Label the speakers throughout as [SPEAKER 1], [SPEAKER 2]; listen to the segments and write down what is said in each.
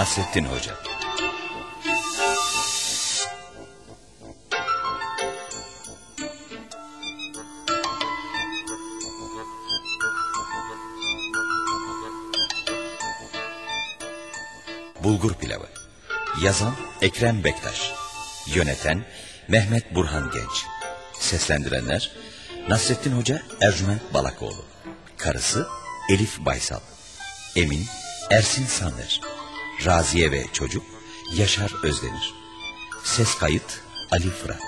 [SPEAKER 1] Nasrettin Hoca. Bulgur Pilavı. Yazan Ekrem Bektaş. Yöneten Mehmet Burhan Genç. Seslendirenler Nasrettin Hoca Ercüment Balakoğlu, karısı Elif Baysal, Emin Ersin Sanır, Raziye ve çocuk Yaşar Özdemir. Ses kayıt Ali Fırat.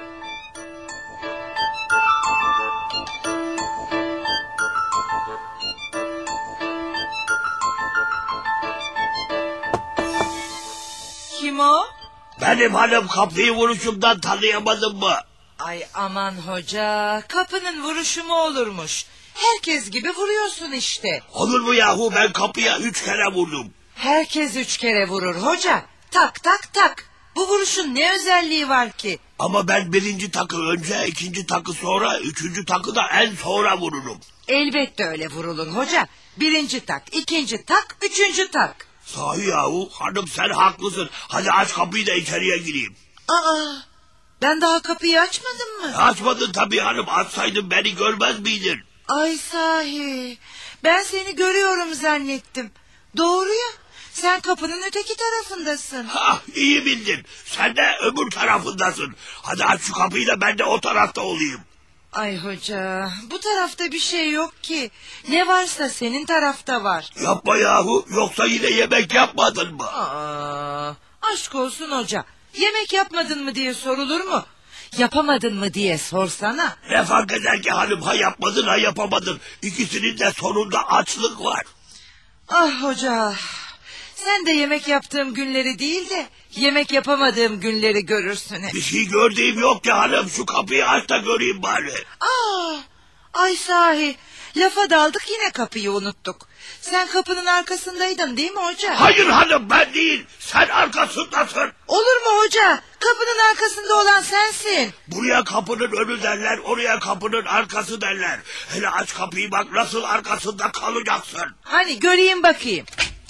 [SPEAKER 2] Kim o?
[SPEAKER 3] Benim hanım, kapıyı vuruşumdan tanıyamadın mı?
[SPEAKER 2] Ay aman hoca, kapının vuruşu mu olurmuş? Herkes gibi vuruyorsun işte.
[SPEAKER 3] Olur mu yahu, ben kapıya 3 kere vurdum.
[SPEAKER 2] Herkes 3 kere vurur hoca. Tak tak tak. Bu vuruşun ne özelliği var ki?
[SPEAKER 3] Ama ben birinci takı önce, ikinci takı sonra, üçüncü takı da en sonra vururum.
[SPEAKER 2] Elbette öyle vurulur hoca. Birinci tak, ikinci tak, üçüncü tak.
[SPEAKER 3] Sahi yahu, hanım sen haklısın. Hadi aç kapıyı da içeriye gireyim.
[SPEAKER 2] Aa, ben daha kapıyı açmadım mı?
[SPEAKER 3] Açmadın tabii hanım, açsaydın beni görmez miydin?
[SPEAKER 2] Ay sahi, ben seni görüyorum zannettim. Doğru ya, sen kapının öteki tarafındasın.
[SPEAKER 3] Hah, iyi bildin. Sen de öbür tarafındasın. Hadi aç şu kapıyı da ben de o tarafta olayım.
[SPEAKER 2] Ay hoca, bu tarafta bir şey yok ki. Ne varsa senin tarafta var.
[SPEAKER 3] Yapma yahu, yoksa yine yemek yapmadın mı?
[SPEAKER 2] Aa, aşk olsun hoca. Yemek yapmadın mı diye sorulur mu? Yapamadın mı diye sorsana.
[SPEAKER 3] Ne fark eder ki hanım, ha yapmadın ha yapamadın. İkisinin de sonunda açlık var.
[SPEAKER 2] Ah hoca, sen de yemek yaptığım günleri değil de yemek yapamadığım günleri görürsün hep.
[SPEAKER 3] Bir şey gördüğüm yok ki hanım, şu kapıyı aç da göreyim bari.
[SPEAKER 2] Aa, ay sahi, lafa daldık yine kapıyı unuttuk. Sen kapının arkasındaydın değil mi hoca?
[SPEAKER 3] Hayır hanım, ben değil, sen arkasındasın.
[SPEAKER 2] Olur mu hoca? Kapının arkasında olan sensin.
[SPEAKER 3] Buraya kapının önü derler, oraya kapının arkası derler. Hele aç kapıyı, bak nasıl arkasında kalacaksın.
[SPEAKER 2] Hani göreyim bakayım.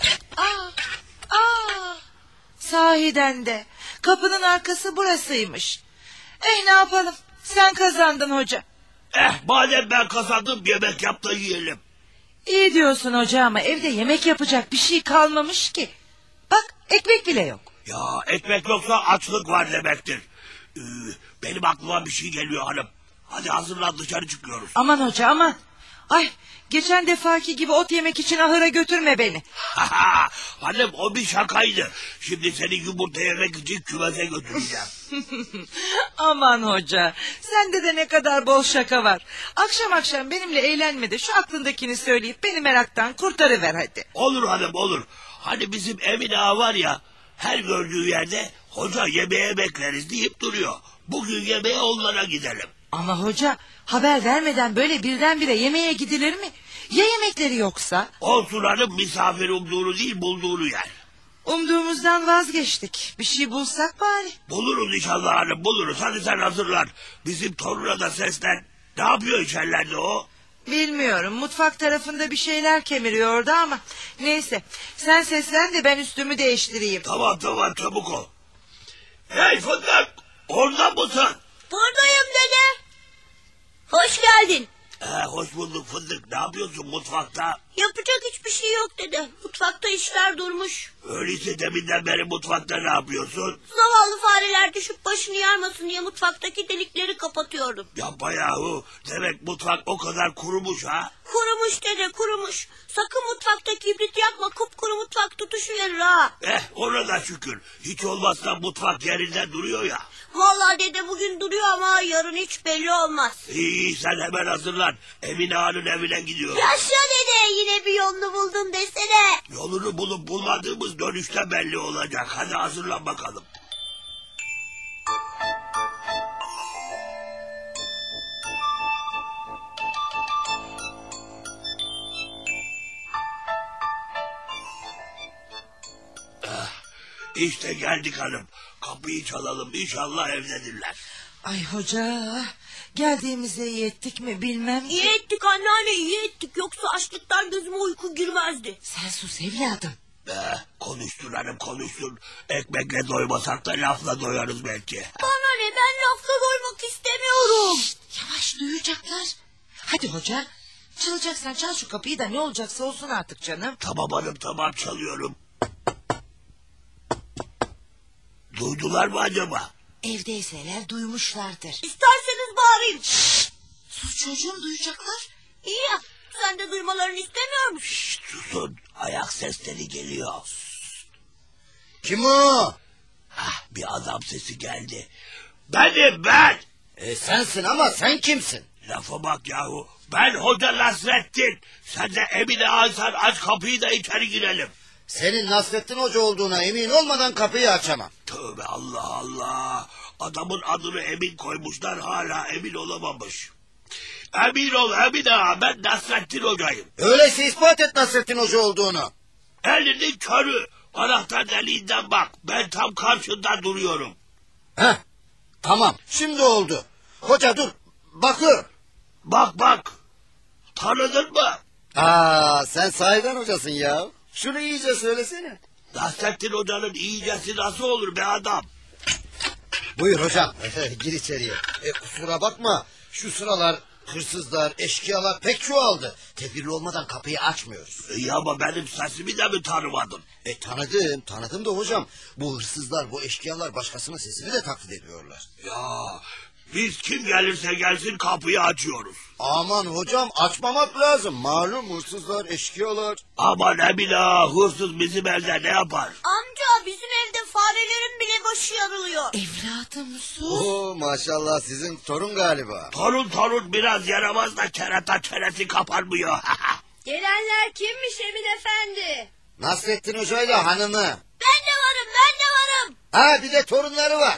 [SPEAKER 2] Sahiden de kapının arkası burasıymış. Ne yapalım, sen kazandın hoca.
[SPEAKER 3] Madem ben kazandım, yemek yap da yiyelim.
[SPEAKER 2] İyi diyorsun hoca ama evde yemek yapacak bir şey kalmamış ki. Bak, ekmek bile yok.
[SPEAKER 3] Ya ekmek yoksa açlık var demektir. Benim aklıma bir şey geliyor hanım. Hadi hazırlan, dışarı çıkıyoruz.
[SPEAKER 2] Aman hoca aman. Ay, geçen defaki gibi ot yemek için ahıra götürme beni.
[SPEAKER 3] Hanım, o bir şakaydı. Şimdi seni yumurta yemek için kümese götüreceğim.
[SPEAKER 2] Aman hoca, sende de ne kadar bol şaka var. Akşam akşam benimle eğlenme de şu aklındakini söyleyip beni meraktan kurtarıver hadi.
[SPEAKER 3] Olur hanım, olur. Hani bizim Emine ağa var ya, her gördüğü yerde hoca yemeğe bekleriz deyip duruyor. Bugün yemeğe onlara gidelim.
[SPEAKER 2] Ama hoca, haber vermeden böyle birdenbire yemeğe gidilir mi? Ya yemekleri yoksa?
[SPEAKER 3] Olsun hanım, misafir umduğunu değil bulduğunu yer.
[SPEAKER 2] Umduğumuzdan vazgeçtik. Bir şey bulsak bari.
[SPEAKER 3] Buluruz inşallah hanım, buluruz. Hadi sen hazırlan. Bizim toruna da seslen. Ne yapıyor içerlerde o?
[SPEAKER 2] Bilmiyorum, mutfak tarafında bir şeyler kemiriyordu ama... Neyse, sen seslen de ben üstümü değiştireyim.
[SPEAKER 3] Tamam çabuk ol. Hey fındık, orada mısın?
[SPEAKER 4] Buradayım dede. Hoş geldin.
[SPEAKER 3] Hoş bulduk fındık. Ne yapıyorsun mutfakta?
[SPEAKER 4] Yapacak hiçbir şey yok dede. Mutfakta işler durmuş.
[SPEAKER 3] Öyleyse deminden beri mutfakta ne yapıyorsun?
[SPEAKER 4] Zavallı fareler düşüp başını yarmasın diye mutfaktaki delikleri kapatıyorum.
[SPEAKER 3] Yapma yahu. Demek mutfak o kadar kurumuş ha?
[SPEAKER 4] Kurumuş dede, kurumuş. Sakın mutfakta kibrit yakma, kupkuru mutfak tutuşuverir ha.
[SPEAKER 3] Ona da şükür. Hiç olmazsa mutfak yerinde duruyor ya.
[SPEAKER 4] Vallahi dede bugün duruyor ama yarın hiç belli olmaz.
[SPEAKER 3] İyi, sen hemen hazırlan. Emine Ağa'nın evine gidiyoruz.
[SPEAKER 4] Yaşa dede, yine bir yolunu buldum desene.
[SPEAKER 3] Yolunu bulup bulmadığımız dönüşte belli olacak. Hadi hazırlan bakalım. İşte geldik hanım. Kapıyı çalalım, inşallah evdedirler.
[SPEAKER 2] Ay hoca, geldiğimize iyi ettik mi bilmem ki.
[SPEAKER 4] İyi ettik anneanne, iyi ettik. Yoksa açlıktan gözüme uyku girmezdi.
[SPEAKER 2] Sen sus evladım.
[SPEAKER 3] Konuşturalım konuştur. Ekmekle doymasak da lafla doyarız belki.
[SPEAKER 4] Bana ne, ben lafla doymak istemiyorum.
[SPEAKER 2] Yavaş, duyacaklar. Hadi hoca. Çalacaksan çal şu kapıyı da ne olacaksa olsun artık canım.
[SPEAKER 3] Tamam hanım tamam çalıyorum. Duydular mı acaba?
[SPEAKER 2] Evdeyseler duymuşlardır.
[SPEAKER 4] İsterseniz bağırayım.
[SPEAKER 2] Sus çocuğum, duyacaklar.
[SPEAKER 4] İyi ya, sen de duymalarını istemiyor musun?
[SPEAKER 3] Şşt, susun ayak sesleri geliyor.
[SPEAKER 5] Kim o?
[SPEAKER 3] Bir adam sesi geldi. Benim ben.
[SPEAKER 5] Sensin ama sen kimsin?
[SPEAKER 3] Lafa bak yahu. Ben Hoca Nasrettin. Sen de Emine Aysan, aç kapıyı da içeri girelim.
[SPEAKER 5] Senin Nasrettin Hoca olduğuna emin olmadan kapıyı açamam.
[SPEAKER 3] Tövbe Allah Allah. Adamın adını Emin koymuşlar, hala emin olamamış. Emin ol Emine ağa, ben Nasrettin Hoca'yım.
[SPEAKER 5] Öyleyse ispat et Nasrettin Hoca olduğunu.
[SPEAKER 3] Elinin körü. Anahtar deliğinden bak. Ben tam karşında duruyorum.
[SPEAKER 5] Heh, tamam şimdi oldu. Hoca dur bakıyorum.
[SPEAKER 3] Bak. Tanıdın mı?
[SPEAKER 5] Sen sahiden hocasın ya. Şunu iyice söylesene.
[SPEAKER 3] Nasrettin Hoca'nın iyicesi nasıl olur be adam?
[SPEAKER 5] Buyur hocam. Gir içeriye. Kusura bakma. Şu sıralar hırsızlar, eşkıyalar pek çoğaldı. Tedbirli olmadan kapıyı açmıyoruz.
[SPEAKER 3] İyi ama benim sesimi de mi tanımadın?
[SPEAKER 5] Tanıdım da hocam. Bu hırsızlar, bu eşkıyalar başkasının sesini de taklit ediyorlar.
[SPEAKER 3] Ya biz kim gelirse gelsin kapıyı açıyoruz.
[SPEAKER 5] Aman hocam açmamak lazım. Malum hırsızlar, eşkıyalar.
[SPEAKER 3] Aman Emine ağa, hırsız bizim evde ne yapar?
[SPEAKER 4] Amca, bizim evde farelerin bile başı yarılıyor.
[SPEAKER 2] Evladım sus.
[SPEAKER 5] Oo, maşallah sizin torun galiba.
[SPEAKER 3] Torun biraz yaramaz da kerata çenesi kapanmıyor.
[SPEAKER 4] Gelenler kimmiş Emin Efendi?
[SPEAKER 5] Nasrettin Hoca ile hanımı.
[SPEAKER 4] Ben de varım.
[SPEAKER 5] Bir de torunları var.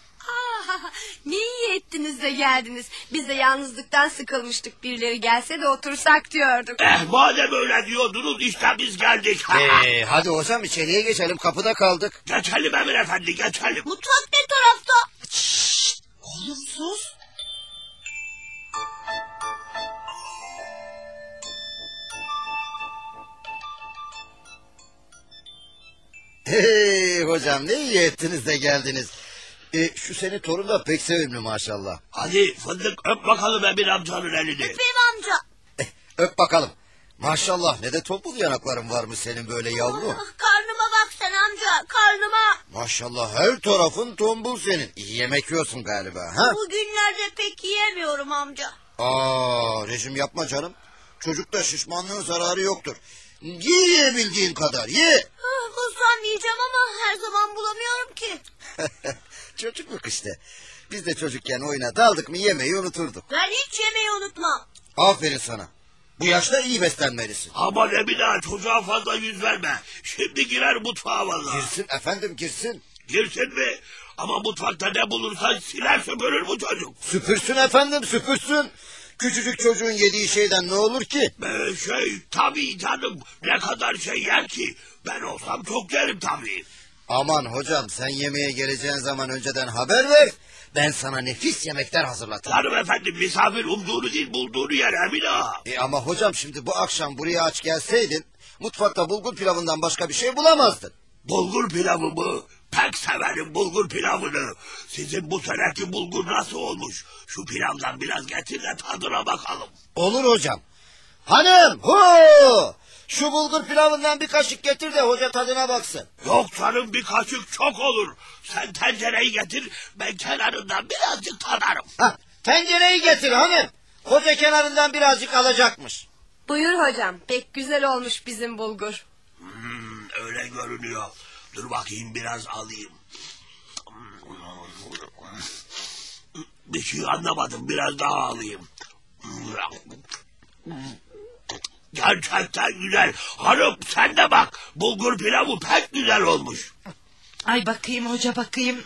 [SPEAKER 6] Ne iyi ettiniz de geldiniz. Biz de yalnızlıktan sıkılmıştık. Birileri gelse de otursak diyorduk.
[SPEAKER 3] Madem öyle diyordunuz işte biz geldik.
[SPEAKER 5] Hadi hocam içeriye geçelim, kapıda kaldık.
[SPEAKER 3] Geçelim Emir Efendi geçelim.
[SPEAKER 4] Mutfak ne tarafta?
[SPEAKER 2] Oğlum sus.
[SPEAKER 5] Hey hocam ne iyi ettiniz de geldiniz. Şu senin torun da pek sevimli maşallah.
[SPEAKER 3] Hadi fındık öp bakalım Emir amcanın elini.
[SPEAKER 4] Öpeyim amca.
[SPEAKER 5] Öp bakalım. Maşallah ne de topul yanakların varmış senin böyle yavrum.
[SPEAKER 4] Karnıma bak sen amca, karnıma.
[SPEAKER 5] Maşallah her tarafın tombul senin. İyi yemek yiyorsun galiba ha?
[SPEAKER 4] Bugünlerde pek yiyemiyorum amca.
[SPEAKER 5] Rejim yapma canım. Çocukta şişmanlığın zararı yoktur. Yiyebildiğin kadar ye.
[SPEAKER 4] Bulsam yiyeceğim ama her zaman bulamıyorum ki.
[SPEAKER 5] Çocukluk işte. Biz de çocukken oyuna daldık mı yemeği unuturduk.
[SPEAKER 4] Ben hiç yemeği unutmam.
[SPEAKER 5] Aferin sana. Bu yaşta iyi beslenmelisin.
[SPEAKER 3] Aman Emine ağa, çocuğa fazla yüz verme. Şimdi girer mutfağa vallahi.
[SPEAKER 5] Girsin efendim girsin.
[SPEAKER 3] Girsin mi? Ama mutfakta ne bulursan siler süpürür bu çocuk.
[SPEAKER 5] Süpürsün efendim süpürsün. Küçücük çocuğun yediği şeyden ne olur ki?
[SPEAKER 3] Tabii canım, ne kadar şey yer ki. Ben olsam çok yerim tabii.
[SPEAKER 5] Aman hocam sen yemeğe geleceğin zaman önceden haber ver. Ben sana nefis yemekler hazırlatırım.
[SPEAKER 3] Hanım efendi, misafir umduğunu değil bulduğunu yer Emine ağa.
[SPEAKER 5] Ama hocam şimdi bu akşam buraya aç gelseydin... ...mutfakta bulgur pilavından başka bir şey bulamazdın.
[SPEAKER 3] Bulgur pilavı mı? Pek severim bulgur pilavını. Sizin bu seneki bulgur nasıl olmuş? Şu pilavdan biraz getir de tadına bakalım.
[SPEAKER 5] Olur hocam. Hanım şu bulgur pilavından bir kaşık getir de hoca tadına baksın.
[SPEAKER 3] Yok canım, bir kaşık çok olur. Sen tencereyi getir, ben kenarından birazcık tadarım.
[SPEAKER 5] Tencereyi getir hanım. Hoca kenarından birazcık alacakmış.
[SPEAKER 6] Buyur hocam. Pek güzel olmuş bizim bulgur.
[SPEAKER 3] Öyle görünüyor. Dur bakayım biraz alayım. Bir şey anlamadım, biraz daha alayım. Gerçekten güzel. Hanım sen de bak, bulgur pilavı pek güzel olmuş.
[SPEAKER 2] Ay bakayım hoca bakayım.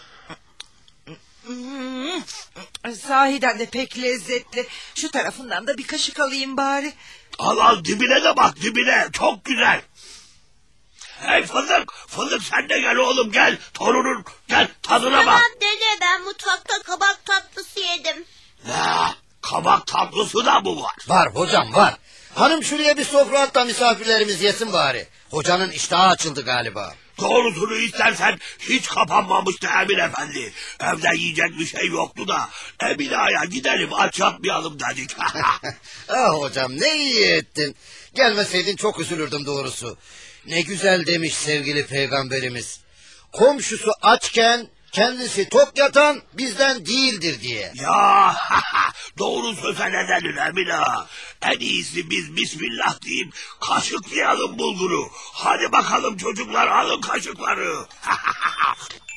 [SPEAKER 2] Sahiden de pek lezzetli. Şu tarafından da bir kaşık alayım bari.
[SPEAKER 3] Al dibine de bak, dibine çok güzel. Hey Fındık sen de gel oğlum, gel torunun, gel tadına bak.
[SPEAKER 4] Tamam dede, ben mutfakta kabak tatlısı yedim.
[SPEAKER 3] Ne? Kabak tatlısı da mı var?
[SPEAKER 5] Var hocam var. Hanım şuraya bir sofra at da misafirlerimiz yesin bari. Hocanın iştahı açıldı galiba.
[SPEAKER 3] Doğrusunu istersen hiç kapanmamıştı Emin Efendi. Evde yiyecek bir şey yoktu da Emine Ağa'ya gidelim aç yatmayalım dedik.
[SPEAKER 5] Ah hocam ne iyi ettin. Gelmeseydin çok üzülürdüm doğrusu. Ne güzel demiş sevgili peygamberimiz. Komşusu açken kendisi tok yatan bizden değildir diye.
[SPEAKER 3] Ya doğru söze ne denir Emine Ağa? En iyisi biz bismillah deyip kaşıklayalım bulguru. Hadi bakalım çocuklar alın kaşıkları.